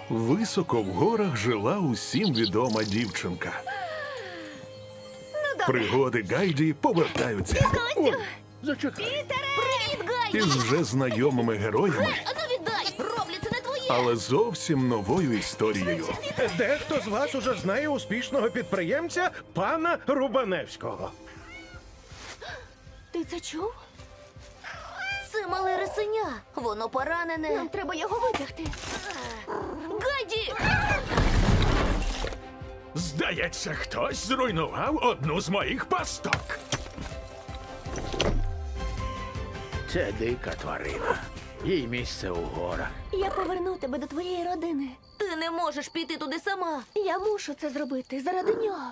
Високо в горах жила усім відома дівчинка. Пригоди Гайді повертаються Зачекай. Привіт, Гайді! із вже знайомими героями, Ану віддай! Роблі, це не твоє! але зовсім новою історією. Дехто з вас уже знає успішного підприємця пана Рубаневського. Ти це чув? Це мале рисеня. Воно поранене. Нам треба його витягти. Гайді! Здається, хтось зруйнував одну з моїх пасток. Це дика тварина. Їй місце у горах. Я поверну тебе до твоєї родини. Ти не можеш піти туди сама. Я мушу це зробити заради нього.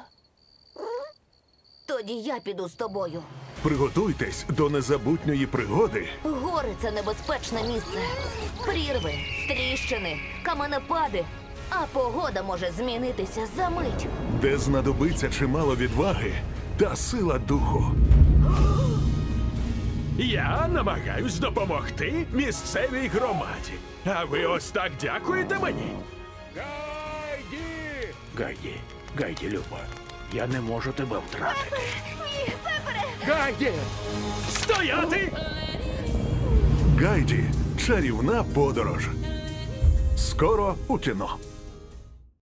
Тоді я піду з тобою. Приготуйтесь до незабутньої пригоди, Гори – це небезпечне місце. Прірви, тріщини, каменепади. А погода може змінитися за мить. де знадобиться чимало відваги та сила духу. Я намагаюсь допомогти місцевій громаді. А ви ось так дякуєте мені? Гайді, Люба, я не можу тебе втратити. Ні, Пепере! Гайді! Стояти! Гайді. Чарівна подорож. Скоро у кіно.